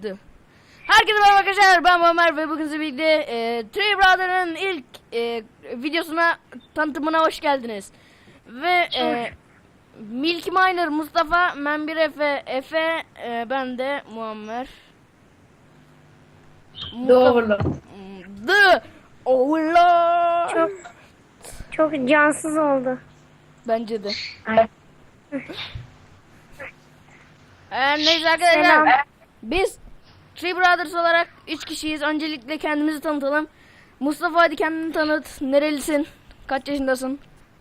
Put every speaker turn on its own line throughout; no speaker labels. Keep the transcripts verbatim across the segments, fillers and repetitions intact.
açtım. Herkese merhaba arkadaşlar, ben Muammer ve bugün sizinle birlikte e, Three Brother'ın ilk e, videosuna, tanıtımına hoş geldiniz. Ve e, Milky Miner Mustafa, Membir Efe, Efe, e, ben de Muammer.
The Overlord.
The Overlord.
Çok çok cansız oldu.
Bence de.
Evet.
Ee, neyse arkadaşlar,
Selam.
biz Three Brothers olarak üç kişiyiz. Öncelikle kendimizi tanıtalım. Mustafa, hadi kendini tanıt. Nerelisin? Kaç yaşındasın?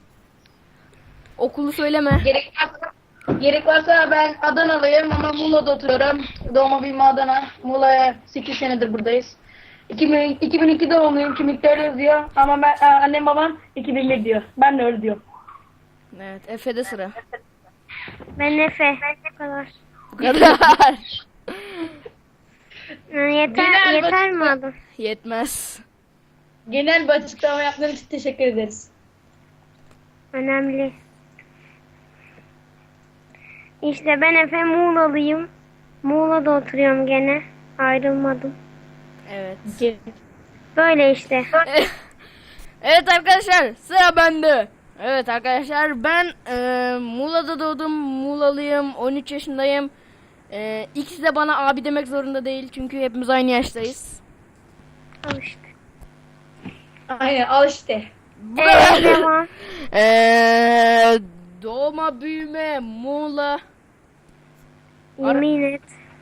Okulu söyleme.
Gerek varsa, gerek varsa ben Adanalıyım ama Muğla'da oturuyorum. Doğma büyüme Adana. Muğla'ya sekiz senedir buradayız. iki bin, iki bin iki doğumluyum. Kimlikte öyle yazıyor. Ama ben, annem babam iki bin bir diyor. Ben de öyle diyorum.
Evet, Efe'de sıra.
Ben Efe. Bu kadar.
Bu kadar.
Yani yeter
Genel
yeter mi
basit-
adım?
Yetmez.
Genel bir açıklama yaptığın için teşekkür ederiz.
Önemli. İşte ben Efe, Muğla'lıyım. Muğla'da oturuyorum gene. Ayrılmadım.
Evet.
Böyle işte.
Evet arkadaşlar, sıra bende. Evet arkadaşlar, ben e, Muğla'da doğdum. Muğla'lıyım. on üç yaşındayım. E, ikisi de bana abi demek zorunda değil. Çünkü hepimiz aynı yaştayız.
Al işte.
Aynen, al işte.
Bu
Ee,
kadar.
devam.
Eee doğma büyüme Muğla.
Yemin et.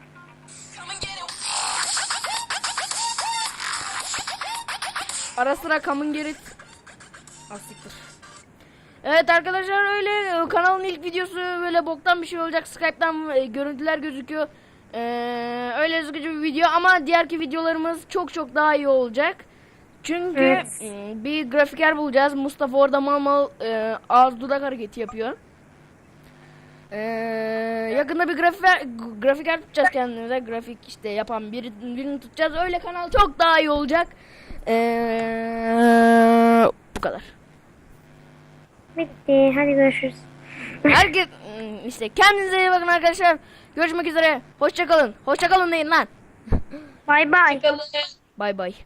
Ara sıra Common Gerit. Asiktir. Evet arkadaşlar, öyle kanalın ilk videosu, böyle boktan bir şey olacak. Skype'tan e, görüntüler gözüküyor. Eee öyle sıkıcı bir video ama diğerki videolarımız çok çok daha iyi olacak. Çünkü
Evet.
e, bir grafiker bulacağız. Mustafa orada mal mal e, ağız dudak hareketi yapıyor. Ee, yakında bir grafiker, grafiker tutacağız kendimize. Grafik işte yapan biri, birini tutacağız. Öyle kanal çok daha iyi olacak. Ee, bu kadar.
Bitti. Hadi görüşürüz.
Herkes işte kendinize iyi bakın arkadaşlar. Görüşmek üzere. Hoşça kalın. Hoşça kalın deyin lan.
Bay bay.
Bakalım.
Bay bay.